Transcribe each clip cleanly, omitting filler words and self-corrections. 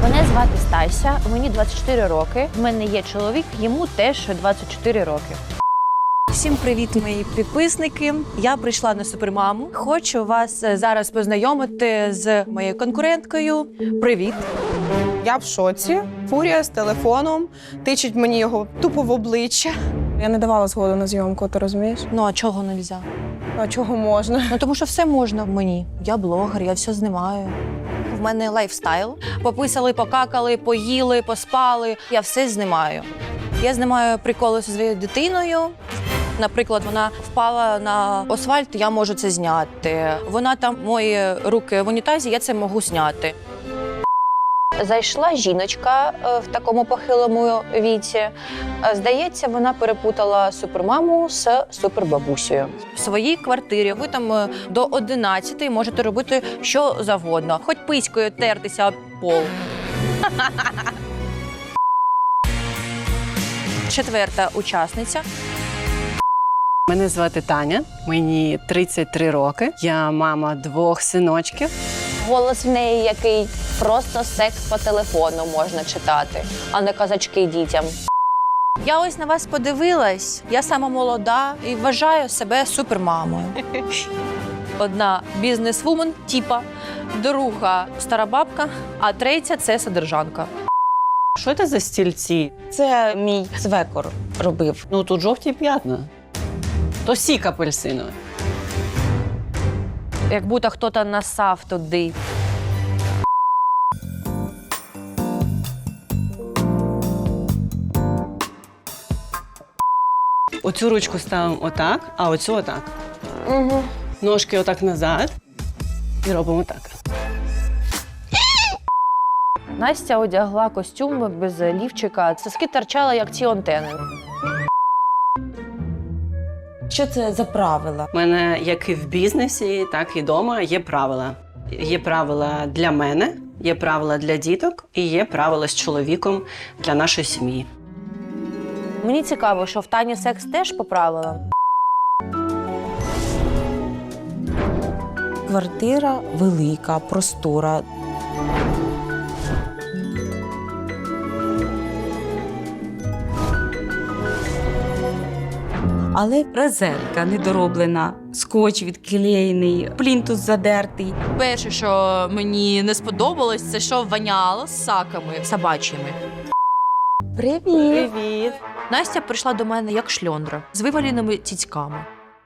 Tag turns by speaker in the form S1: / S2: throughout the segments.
S1: Мене звати Стася, мені 24 роки. В мене є чоловік, йому теж 24 роки.
S2: Всім привіт, мої підписники. Я прийшла на Супермаму. Хочу вас зараз познайомити з моєю конкуренткою. Привіт.
S3: Я в шоці. Фурія з телефоном, тичить мені його тупо в обличчя. Я не давала згоду на зйомку, ти розумієш?
S2: Ну, а чого не можна?
S3: А чого можна?
S2: Ну, тому що все можна мені. Я блогер, я все знімаю. В мене лайфстайл. Пописали, покакали, поїли, поспали. Я все знімаю. Я знімаю приколи зі своєю дитиною. Наприклад, вона впала на асфальт, я можу це зняти. Вона там мої руки в унітазі, я це можу зняти.
S1: Зайшла жіночка в такому похилому віці. Здається, вона перепутала супермаму з супербабусею.
S2: В своїй квартирі ви там до 11 можете робити що завгодно. Хоч пиською тертися об пол. Четверта учасниця.
S4: Мене звати Таня, мені 33 роки. Я мама 2 синочків.
S1: Голос в неї який просто секс по телефону можна читати, а не казачки дітям.
S2: Я ось на вас подивилась. Я сама молода і вважаю себе супермамою. Одна бізнес-вумен, типа, друга стара бабка, а третя – це содержанка.
S4: Що це за стільці?
S3: Це мій свекор робив.
S4: Ну, тут жовті п'ятна. То сік апельсиновий.
S2: Як будто хтось насав туди.
S4: Оцю ручку ставимо отак, а оцю отак.
S3: Угу.
S4: Ножки отак назад і робимо так.
S1: Настя одягла костюм без лівчика. Соски торчали, як ці антени.
S3: Що це за правила?
S4: У мене як і в бізнесі, так і вдома є правила. Є правила для мене, є правила для діток і є правила з чоловіком для нашої сім'ї.
S1: Мені цікаво, що в Тані секс теж по правилам.
S5: Квартира велика, простора. Але резинка недороблена, скотч відклеєний, плінтус задертий.
S2: Перше, що мені не сподобалось, це що воняло з саками собачими.
S5: Привіт!
S4: Привіт!
S2: Настя прийшла до мене як шльондра з виваленими цицьками.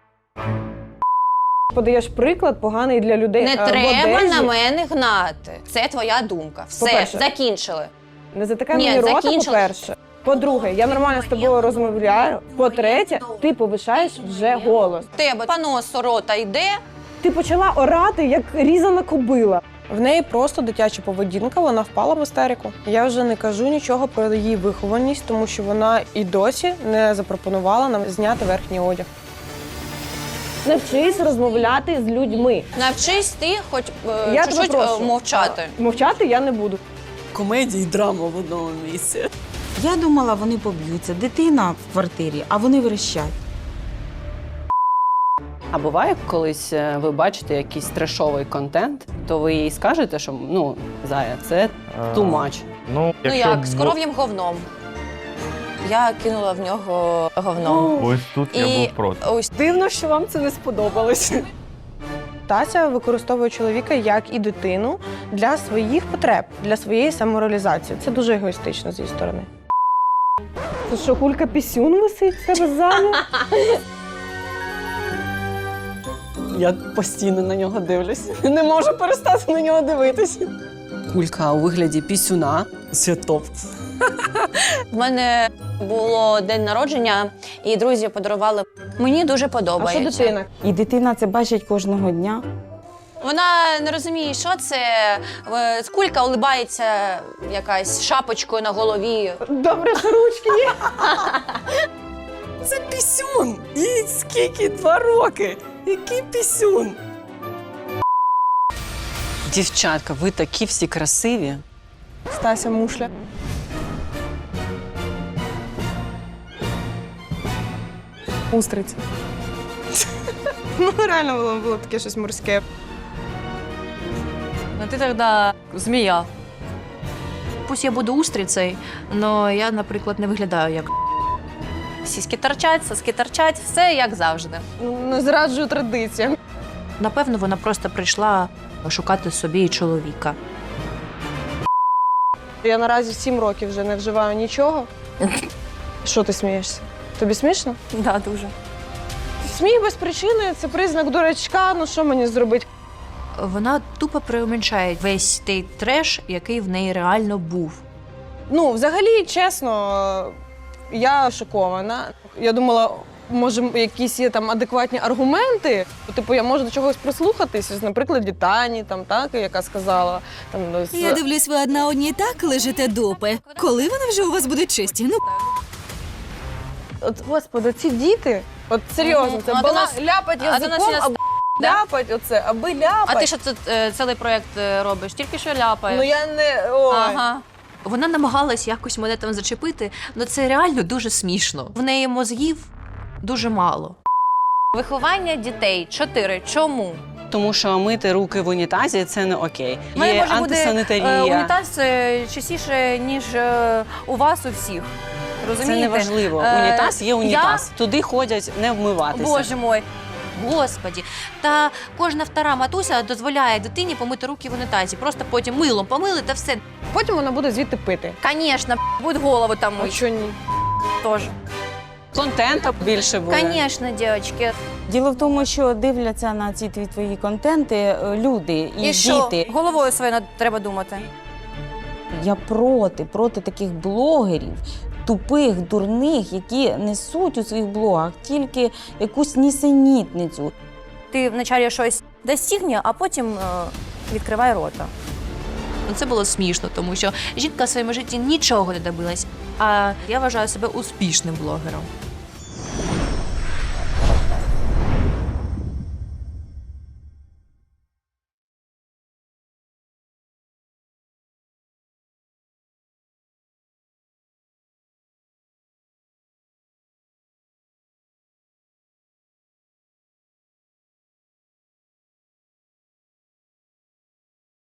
S3: Подаєш приклад поганий для людей.
S1: Не
S3: в
S1: треба
S3: одежі.
S1: на мене гнати. Це твоя думка. Все,
S3: По-перше.
S1: закінчили.
S3: Не затикай
S1: Ні,
S3: мені рота,
S1: закінчила.
S3: по-перше. По-друге, я нормально з тобою розмовляю. По-третє, ти повишаєш вже голос.
S2: Тебе понос рота йде.
S3: Ти почала орати, як різана кобила. В неї просто дитяча поведінка, вона впала в істерику. Я вже не кажу нічого про її вихованість, тому що вона і досі не запропонувала нам зняти верхній одяг. Навчись розмовляти з людьми.
S1: Навчись ти хоч
S3: Я тебе
S1: чуть-чуть
S3: прошу.
S1: мовчати.
S3: Мовчати я не буду.
S4: Комедія і драма в одному місці.
S5: Я думала, вони поб'ються. Дитина в квартирі, а вони верещать.
S4: А буває, колись ви бачите якийсь трешовий контент, то ви їй скажете, що ну, Зая, це too much.
S1: Ну як, з коров'ям говном. Я кинула в нього говном.
S6: Ось тут я
S1: І
S6: був проти.
S1: ось
S4: Дивно, що вам це не сподобалось.
S3: Тася використовує чоловіка як і дитину для своїх потреб, для своєї самореалізації. Це дуже егоїстично з її сторони. Це що, кулька пісюн висить в себе ззаду?
S4: Я постійно на нього дивлюсь. Не можу перестати на нього дивитися. Кулька у вигляді пісюна. Це топ.
S1: в мене було день народження, і друзі подарували. Мені дуже
S3: А що
S1: подобається.
S3: дитина?
S5: І дитина це бачить кожного дня.
S1: Вона не розуміє, що це. Кулька улибається якась шапочкою на голові.
S3: Добре, що ручки є.
S4: Це пісюн! І скільки 2 роки? Який пісюн? Дівчатка, ви такі всі красиві.
S3: Стася мушля. Устриці. Ну, реально було таке щось морське.
S2: Ну ти тоді змія. Пусть я буду устрицею, але я, наприклад, не виглядаю як.
S1: Сіськи торчать, соски торчать, все як завжди.
S3: Не зраджую традиціям.
S2: Напевно, вона просто прийшла шукати собі чоловіка.
S3: Я наразі 7 років вже не вживаю нічого. Що ти смієшся? Тобі смішно?
S1: Да, дуже.
S3: Сміх без причини – це признак дурачка, ну що мені зробити?
S2: Вона тупо преуменьшає весь той треш, який в неї реально був.
S3: Ну, взагалі, чесно, я шокована. Я думала, може, якісь є там адекватні аргументи. Типу, я можу до чогось прислухатись, наприклад, Тані, там, так, яка сказала. Там,
S6: Я дивлюсь, ви одна одній так лежите дупи. Коли вони вже у вас будуть чисті? Ну,
S3: От, господи, ці діти, от серйозно, це
S1: А до нас-
S3: ляпать
S1: а до нас
S3: язиком,
S1: є
S3: аби ляпать оце, аби ляпать.
S1: А ти що тут цілий проєкт робиш? Тільки що ляпаєш?
S3: Ну я не... Ой.
S1: Ага.
S2: Вона намагалась якось мене там зачепити, але це реально дуже смішно. В неї мозгів дуже мало.
S1: Виховання дітей 4. Чому?
S4: Тому що мити руки в унітазі це не окей.
S1: У мене
S4: Є
S1: може бути
S4: антисанітарія.
S1: унітаз частіше, ніж у вас у всіх.
S4: Це
S1: Розумієте?
S4: не важливо. Унітаз є унітаз. Туди ходять не вмиватися.
S1: Боже мой.
S2: Господі, та кожна втора матуся дозволяє дитині помити руки в унітазі. Просто потім милом помили та все.
S3: Потім вона буде звідти пити.
S1: Конечно, будь голову там
S3: А
S1: мить
S3: що ні?
S1: теж.
S4: Контенту більше буде.
S1: Конечно, дівчатки.
S5: Діло в тому, що дивляться на ці твої контенти люди і,
S1: І що?
S5: діти.
S1: Головою своєю треба думати.
S5: Я проти таких блогерів, тупих, дурних, які несуть у своїх блогах тільки якусь нісенітницю.
S1: Ти вначалі щось достигне, а потім відкривай рота.
S2: Ну, це було смішно, тому що жінка в своєму житті нічого не добилась. А я вважаю себе успішним блогером.